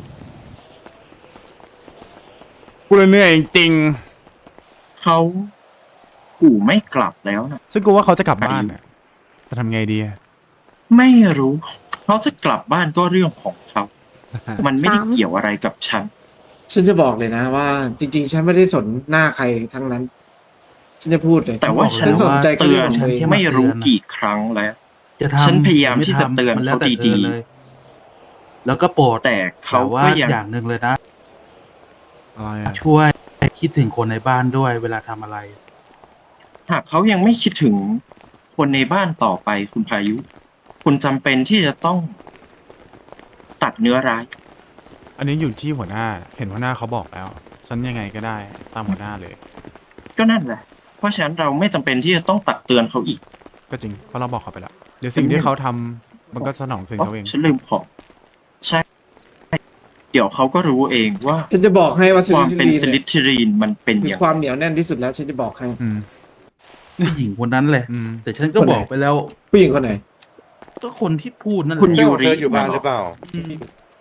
Speaker 2: กูเลยเหนื่อยจริง
Speaker 3: เขาขู่ไม่กลับแล้วนะ
Speaker 2: ๆซึ่งกูว่าเขาจะกลับบ้านน่ะจะทำไงดีอะ
Speaker 3: ไม่รู้ เขาจะกลับบ้านก็เรื่องของเขา มันไม่ได้เกี่ยวอะไรกับฉัน
Speaker 4: ฉันจะบอกเลยนะว่าจริงๆ ฉันไม่ได้สนหน้าใครทั้งนั้น ฉันจะพูดเลย
Speaker 3: แต่ว่าฉัน
Speaker 4: สนใจแค่
Speaker 3: เตื
Speaker 4: เรื่
Speaker 3: อ
Speaker 4: อน งของตัวเอง
Speaker 3: ไม่รู้กี่ครั้งแล้ว
Speaker 5: จะทำ
Speaker 3: ฉันพยายาม
Speaker 5: หรือ
Speaker 3: ที่จะเตือน
Speaker 5: มัแล้
Speaker 3: เขา
Speaker 5: วแต่ธ
Speaker 3: ดี
Speaker 5: อเลยแล้วก็โปรด
Speaker 3: ๆ แต่เขา
Speaker 5: แต่ว่า
Speaker 3: ก็ยัง
Speaker 5: อย่างหนึ่งเลยนะ
Speaker 2: อะไรอะ
Speaker 5: ช่วยคิดถึงคนในบ้านด้วยเวลาทำอะไร
Speaker 3: หากเขายังไม่คิดถึงคนในบ้านต่อไปคุณพายุ คุณจำเป็นที่จะต้องตัดเนื้อร้าย
Speaker 2: อันนี้อยู่ที่หัวหน้า เห็นหัวหน้าเขาบอกแล้ว ฉันยังไงก็ได้ตามหัวหน้าเลย
Speaker 3: ก็นั่นแหละ เพราะฉะนั้นเราไม่จำเป็นที่จะต้องตักเตือนเขาอีก
Speaker 2: ก็จริง เพราะเราบอกเขาไปแล้ว เดี๋ยวสิ่งที่เขาทำมันก็สนองคืนเขาเอง
Speaker 3: ฉันลืมของใช่ เดี๋ยวเขาก็รู้เองว่า
Speaker 4: ฉันจะบอกให้ว่าส
Speaker 3: ควา
Speaker 4: ลิ
Speaker 3: ม
Speaker 4: ท
Speaker 3: เป็น
Speaker 4: รี
Speaker 3: ส
Speaker 4: น
Speaker 3: ลิทรีนมันเป็น
Speaker 4: มี
Speaker 3: อย่าง
Speaker 4: ความเหนียวแน่นที่สุดแล้ว ฉันจะบอกให้
Speaker 2: อืม
Speaker 5: ผู้หญิงคนนั้นแหละ
Speaker 2: อืม
Speaker 5: แต่ฉันก็
Speaker 4: คนไหน
Speaker 5: บอกไปแล้ว
Speaker 4: ผู้หญิงคนไหน
Speaker 5: ก็คนที่พูดนั่นแห
Speaker 3: คุณ
Speaker 5: ละ
Speaker 3: ยูริ
Speaker 12: เธออยู่บ้านหรือเปล่า
Speaker 5: อืม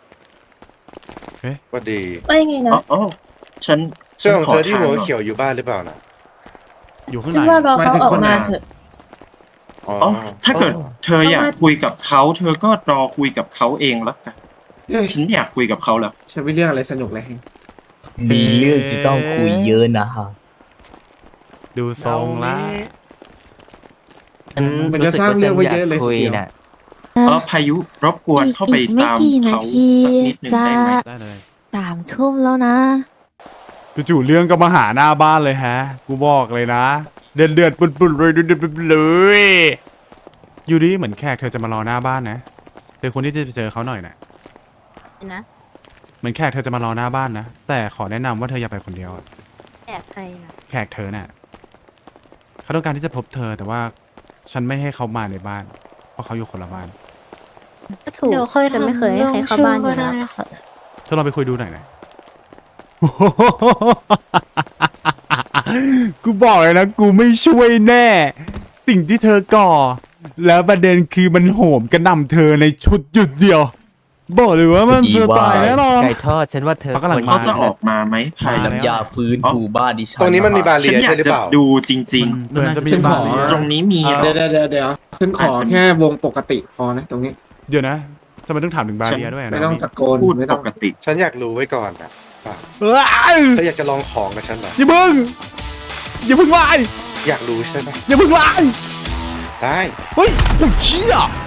Speaker 12: สวัสดี
Speaker 6: ว่ายังไงนะ
Speaker 3: อ๋อฉัน
Speaker 12: เสื้อของ
Speaker 3: ขอ
Speaker 12: เธอที่
Speaker 3: ทาน
Speaker 12: หัว
Speaker 3: หน่อย
Speaker 12: เขียวอยู่บ้านหรือเปล่านะ
Speaker 2: อยู่ข้าง
Speaker 6: ฉัน
Speaker 2: ใน
Speaker 6: ว่ารอเขา
Speaker 4: หมายถึง
Speaker 6: ออก
Speaker 4: คนไหน
Speaker 6: มาเถอะ
Speaker 12: อ๋อ
Speaker 3: อ๋อถ้าเกิดเธออยากคุยกับเขา เธอก็รอคุยกับเขาเองแล้วกัน
Speaker 4: เอ้ย
Speaker 3: ฉันไม่อยากคุยกับเขาแล้ว
Speaker 4: ฉันไม่เรื่องอะไรสนุกเลย
Speaker 2: มีเรื่องที่ต้องคุยเยอะ
Speaker 7: นะฮะ
Speaker 2: ดูทรงละ
Speaker 4: มันจะสร้างเรื่องไว้เยอะเลยทีเดียว
Speaker 3: พายุรบกวนเข้าไปตามเขาสักนิดหนึ่งได้ไหม
Speaker 2: ได้เลย
Speaker 8: 3 ทุ่มแล้วนะ
Speaker 2: จู่ๆเรื่องก็มาหาหน้าบ้านเลยฮะ กูบอกเลยนะ เดือดเดือดปุดปุดเลยเดือดปุดเลยอยู่ดีเหมือนแขกเธอจะมารอหน้าบ้านนะเธอคนที่จะไปเจอเขาหน่อยนะ
Speaker 8: นะ
Speaker 2: เหมือนแขกเธอจะมารอหน้าบ้านนะ แต่ขอแนะนำว่าเธออย่าไปคนเดียวอะ
Speaker 8: แอบใครนะ
Speaker 2: แขกเธอน่ะเขาต้องการที่จะพบเธอแต่ว่าฉันไม่ให้เขามาในบ้าน เพราะเขาอยู่คนละบ้าน
Speaker 8: ก็ถูกฉันไม่เคยให้ใครเข้าบ้านอยู่แล้ว
Speaker 2: เธอลองไปคุยดูหน่อยนะ กูบอกเลยนะ กูไม่ช่วยแน่ สิ่งที่เธอก่อ แล้วประเด็นคือมันโหมกระหน่ำเธอในชุดหยุดเดียว บอกเลยว่ามันจะตายแน่นอน
Speaker 7: ไก่ทอดฉันว่าเธอ
Speaker 2: เขากำลัง
Speaker 3: เขาจะออกมาไหมภายหลัง
Speaker 2: น้ำยาฟื้นฟู
Speaker 7: บ้านดิฉัน
Speaker 12: ตรงนี้มันมีบาเรี
Speaker 3: ฉัน
Speaker 12: ย
Speaker 3: อยา
Speaker 12: ใช่
Speaker 3: ก
Speaker 12: หรือ
Speaker 3: จะ
Speaker 12: เปล่า
Speaker 3: ดูจริง
Speaker 2: เหมือนจะมี
Speaker 4: ฉันข
Speaker 2: บ้า
Speaker 4: อ
Speaker 2: น
Speaker 3: ๆ ตรงนี้มีเหรอ
Speaker 4: เดี๋ยวฉันขอแค่วงปกติพอนะ ตรงนี้
Speaker 2: เดี๋ยวนะทำไมต้องถามถึงบาเรียด้วยอะ
Speaker 4: ไม่
Speaker 2: นะ
Speaker 4: ต้องตะโกน
Speaker 3: พูด
Speaker 4: ไม่
Speaker 3: ป
Speaker 4: ต้อง
Speaker 3: กติ
Speaker 12: ฉันอยากรู้ไว้ก่อนนะว่า
Speaker 2: เอ้ย
Speaker 12: เธออยากจะลองของกับฉันเหรอ
Speaker 2: อย่าพึ่งอย่าพึ่งไล่
Speaker 12: อยากรู้ใช่ไหม
Speaker 2: อย่าพึ่งไล่
Speaker 12: ได้
Speaker 2: เฮ้ยโอ้ยเชี่ย